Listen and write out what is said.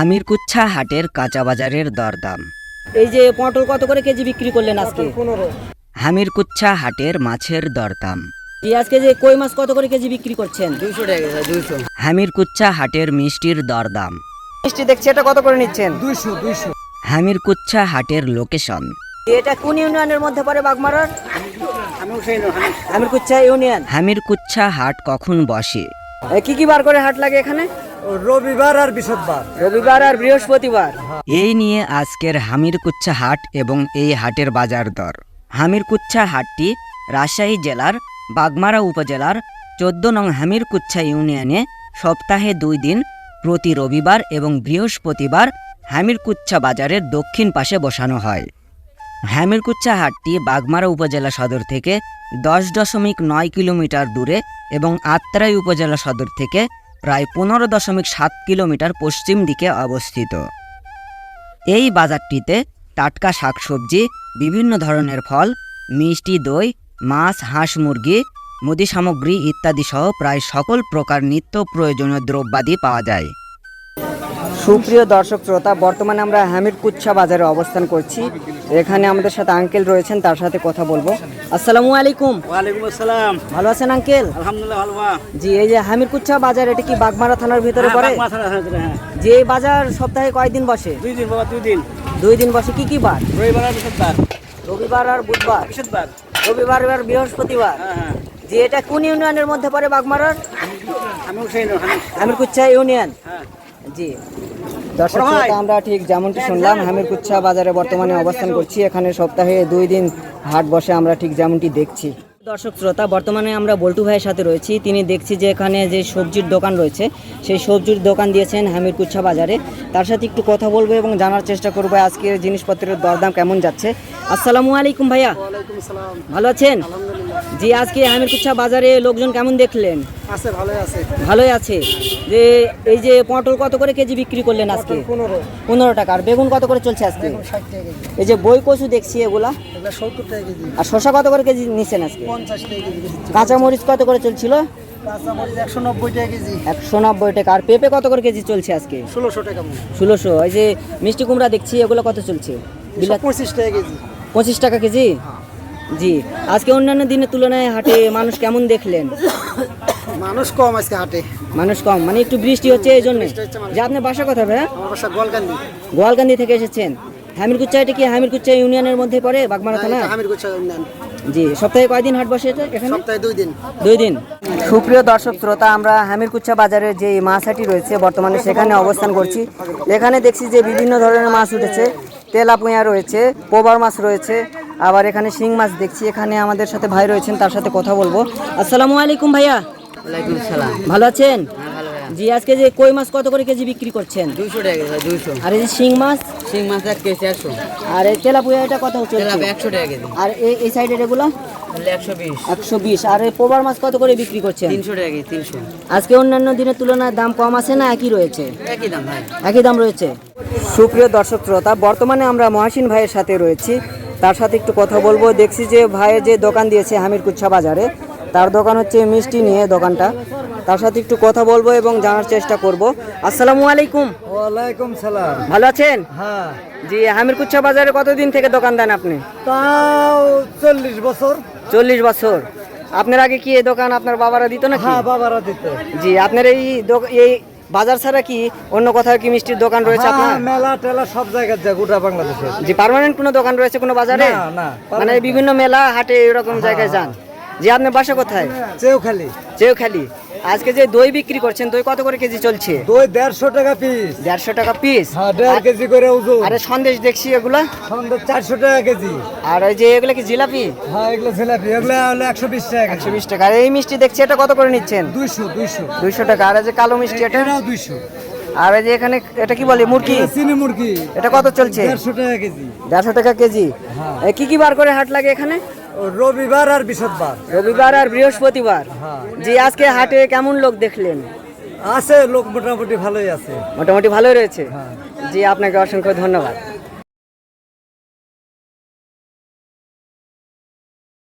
হামিরকুচ্ছা হাটের কাঁচা বাজারের দরদাম। এই যে পটল কত করে কেজি বিক্রি করলেন আজকে? 15। হামিরকুচ্ছা হাটের মাছের দরদাম। এই আজকে যে কই মাছ কত করে কেজি বিক্রি করছেন? 200 টাকা 200। হামিরকুচ্ছা হাটের মিষ্টির দরদাম। মিষ্টি দেখছি এটা কত করে নিচ্ছেন? 200। হামিরকুচ্ছা হাটের লোকেশন। এটা কোন ইউনিয়নের মধ্যে পড়ে বাগমারার? হামিরকুচ্ছা ইউনিয়ন। হামিরকুচ্ছা হাট কখন বসে? কি কি বার করে হাট লাগে এখানে? রবিবার আর বৃহস্পতিবার। রবিবার আর বৃহস্পতিবার। এই নিয়ে আজকের হামিরকুচ্ছা হাট এবং এই হাটের বাজার দর। হামিরকুচ্ছা হাটটি রাজশাহী জেলার বাগমারা উপজেলার 14 নং হামিরকুচ্ছা ইউনিয়নে সপ্তাহে 2 দিন প্রতি রবিবার এবং বৃহস্পতিবার হামিরকুচ্ছা বাজারের দক্ষিণ পাশে বসানো হয়। হামিরকুচ্ছা হাটটি বাগমারা উপজেলা সদর থেকে 10.9 কিলোমিটার দূরে এবং আত্রাই উপজেলা সদর থেকে প্রায় 15.7 কিলোমিটার পশ্চিম দিকে অবস্থিত। এই বাজারটিতে টাটকা শাকসবজি, বিভিন্ন ধরনের ফল, মিষ্টি দই, মাছ, হাঁস মুরগি, মুদি সামগ্রী ইত্যাদি সহ প্রায় সকল প্রকার নিত্য প্রয়োজনীয় দ্রব্যাদি পাওয়া যায়। সুপ্রিয় দর্শক শ্রোতা, বর্তমানে আমরা হামিরকুচ্ছা বাজারে অবস্থান করছি। এখানে আমাদের সাথে আঙ্কেল রয়েছেন, তার সাথে কথা বলবো। আসসালামু আলাইকুম। ওয়ালাইকুম আসসালাম। ভালো আছেন আঙ্কেল? আলহামদুলিল্লাহ ভালো। জি, এই যে হামিরকুচ্ছা বাজার, এটা কি বাগমারা থানার ভিতরে পড়ে? হ্যাঁ। যে এই বাজার সপ্তাহে কয়দিন বসে? 2 দিন বাবা, 2 দিন। 2 দিন বসে। কি কি বার? রবিবার আর বৃহস্পতিবার। রবিবার আর বুধবার। বৃহস্পতিবার। রবিবার আর বৃহস্পতিবার। হ্যাঁ। যে এটা কোন ইউনিয়নের মধ্যে পড়ে বাগমারার? আমি হুসেন। হামিরকুচ্ছা ইউনিয়ন। হ্যাঁ। জি, দর্শক শ্রোতা, আমরা ঠিক যেমনটি শুনলাম হামিরকুচ্ছা বাজারে বর্তমানে অবস্থান করছি। এখানে সপ্তাহে 2 দিন হাট বসে, আমরা ঠিক যেমনটি দেখছি। দর্শক শ্রোতা, বর্তমানে আমরা বল্টু ভাইয়ের সাথে রয়েছি। তিনি দেখছি যে এখানে যে সবজির দোকান রয়েছে, সেই সবজির দোকান দিয়েছেন হামিরকুচ্ছা বাজারে। তার সাথে একটু কথা বলবো এবং জানার চেষ্টা করবো আজকের জিনিসপত্রের দরদাম কেমন যাচ্ছে। আসসালামু আলাইকুম ভাইয়া। ওয়ালাইকুম আসসালাম। ভালো আছেন? আলহামদুলিল্লাহ। জি, আজকে হামিরকুচ্ছা বাজারে লোকজন কেমন দেখলেন? আছে, ভালোই আছে। ভালোই আছে। যে এই যে পটল কত করে কেজি বিক্রি করলেন আজকে? 15 টাকা। আর বেগুন কত করে চলছে আজকে? 60 টাকা কেজি। এই যে বই কচু দেখছি এগুলা, এগুলো 70 টাকা কেজি। আর শসা কত করে কেজি নিচ্ছেন আজকে? 50 টাকা কেজি বেশি। কাঁচা মরিচ কত করে চলছিল? কাঁচা মরিচ 190 টাকা কেজি। 190 টাকা। আর পেঁপে কত করে কেজি চলছে আজকে? 1600 টাকা মন। 1600। এই যে মিষ্টি কুমড়া দেখছি, এগুলো কত চলছে? 25 টাকা কেজি। 25 টাকা কেজি। জি, আজকে অন্যান্য দিনের তুলনায় হাটে মানুষ কেমন দেখলেন? মানুষ কম আজকে হাটে। মানুষ কম, মানে একটু বৃষ্টি হচ্ছে এই জন্য। যে আপনার বাসা কোথায় ভাইয়া? আমার বাসা গোয়ালকান্দি। গোয়ালকান্দি থেকে এসেছেন। হামিরকুচ্ছা, এটা কি হামিরকুচ্ছা ইউনিয়নের মধ্যে পড়ে বাগমারা থানা? হামিরকুচ্ছা ইউনিয়ন। জি, সপ্তাহে কয়দিন হাট বসে এটা এখানে? সপ্তাহে 2 দিন। 2 দিন। সুপ্রিয় দর্শক শ্রোতা, আমরা হামিরকুচ্ছা বাজারের যে মাছ হাটি রয়েছে বর্তমানে সেখানে অবস্থান করছি। এখানে দেখছি যে বিভিন্ন ধরনের মাছ উঠেছে। তেলাপুঁয়া রয়েছে, পোবার মাছ রয়েছে, আবার এখানে শিং মাছ দেখছি। এখানে আমাদের সাথে ভাই রয়েছেন, তার সাথে কথা বলবো। আসসালামু আলাইকুম ভাইয়া। ওয়ালাইকুম সালাম। ভালো আছেন? জি, আজকে যে কই মাছ কত করে কেজি বিক্রি করছেন? 200 টাকা কেজি। 200। আর এই যে শিং মাছ? শিং মাছ 1 কেজি 100। আর এই তেলাপুঁয়া এটা কত চলছে? 100 টাকা কেজি। আর এই সাইডের এগুলো? 120। 120। আর এই পোবার মাছ কত করে বিক্রি করছেন? 300 টাকা কেজি। 300। আজকে অন্যান্য দিনের তুলনায় দাম কম আছে না একই রয়েছে? একই দাম ভাই। একই দাম রয়েছে। সুপ্রিয় দর্শক শ্রোতা, বর্তমানে আমরা মহাসিন ভাইয়ের সাথে রয়েছি, তার সাথে একটু কথা বলবো। দেখছি যে ভাইয়ের যে দোকান দিয়েছে হামিরকুচ্ছা বাজারে, তার দোকান হচ্ছে মিষ্টি নিয়ে দোকানটা। তার সাথে একটু কথা বলবো এবং জানার চেষ্টা করব। আসসালামু আলাইকুম। ওয়ালাইকুম সালাম। ভালো আছেন? হ্যাঁ। জি, হামিরকুচ্ছা বাজারে কতদিন থেকে দোকান দেন আপনি? তাও 40 বছর। 40 বছর। আপনার আগে কি এই দোকান আপনার বাবারা দিত নাকি? হ্যাঁ, বাবারা দিত। জি, আপনার এই বাজার ছাড়া কি অন্য কোথাও কি মিষ্টির দোকান রয়েছে আপনার? হ্যাঁ, মেলা টেলা সব জায়গায় যায় গোটা বাংলাদেশে। জি, পার্মানেন্ট কোনো দোকান রয়েছে কোনো বাজারে? না। মানে বিভিন্ন মেলা হাটে এরকম জায়গায় যান। জি, আপনার বাসা কোথায়? চেউখালি। চেউখালি। আজকে যে দই বিক্রি করছেন, দই কত করে কেজি চলছে? দই 150 টাকা পিস। 150 টাকা পিস। হ্যাঁ, 1.5 কেজি করে ওজন। আরে সন্দেশ দেখছি এগুলা? সন্ধ্যা 400 টাকা কেজি। আর ওই যে এগুলা কি জিলাপি? হ্যাঁ, এগুলো জিলাপি। এগুলো হলো 120 টাকা কেজি। 120 টাকা। আর এই মিষ্টি দেখছি, এটা কত করে নিচ্ছেন? 200। 200 টাকা। আর এই যে কালো মিষ্টি এটা? এটাও 200। আর এই যে এখানে এটা কি বলে, মুরগি? চিনি মুরগি। এটা কত চলছে? 150 টাকা কেজি। 150 টাকা কেজি। হ্যাঁ। কি কি বার করে হাট লাগে এখানে? রবিবার আর বৃহস্পতিবার। রবিবার আর বৃহস্পতিবার। হ্যাঁ। জি, আজকে হাটে কেমন লোক দেখলেন? আছে লোক মোটামুটি ভালোই আছে। মোটামুটি ভালোই রয়েছে। হ্যাঁ। জি, আপনাকে অসংখ্য ধন্যবাদ।